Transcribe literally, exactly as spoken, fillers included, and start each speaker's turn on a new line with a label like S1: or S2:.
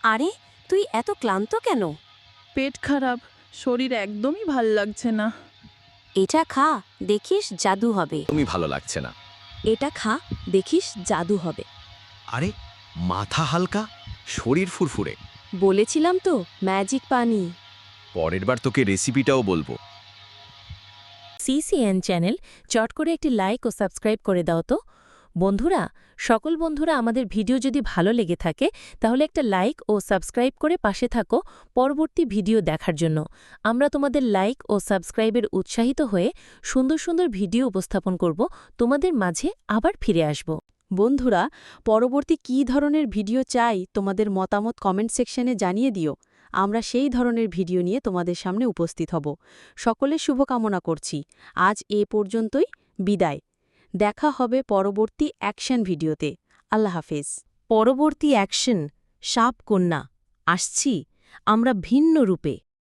S1: আরে, তুই এত ক্লান্ত কেন?
S2: পেট খারাপ, শরীর একদমই ভাল লাগছে না।
S1: এটা খা, দেখিস জাদু হবে।
S3: তুমি ভালো লাগছে না।
S1: এটা খা, দেখিস জাদু হবে।
S3: আরে, মাথা হালকা, শরীর ফুরফুরে।
S1: বলেছিলাম তো, ম্যাজিক পানি।
S3: পরের বার তোকে রেসিপিটাও বলবো।
S4: সিসিএন চ্যানেল চট করে একটি লাইক ও সাবস্ক্রাইব করে দাও তো। বন্ধুরা, সকল বন্ধুরা আমাদের ভিডিও যদি ভালো লেগে থাকে তাহলে একটা লাইক ও সাবস্ক্রাইব করে পাশে থাকো পরবর্তী ভিডিও দেখার জন্য। আমরা তোমাদের লাইক ও সাবস্ক্রাইবের উৎসাহিত হয়ে সুন্দর সুন্দর ভিডিও উপস্থাপন করব, তোমাদের মাঝে আবার ফিরে আসব।
S5: বন্ধুরা, পরবর্তী কী ধরনের ভিডিও চাই তোমাদের মতামত কমেন্ট সেকশনে জানিয়ে দিও। আমরা সেই ধরনের ভিডিও নিয়ে তোমাদের সামনে উপস্থিত হব। সকলের শুভকামনা করছি। আজ এ পর্যন্তই, বিদায়। দেখা হবে পরবর্তী অ্যাকশন ভিডিওতে। আল্লাহ হাফেজ।
S4: পরবর্তী অ্যাকশন সাপ কন্যা আসছি আমরা ভিন্ন রূপে।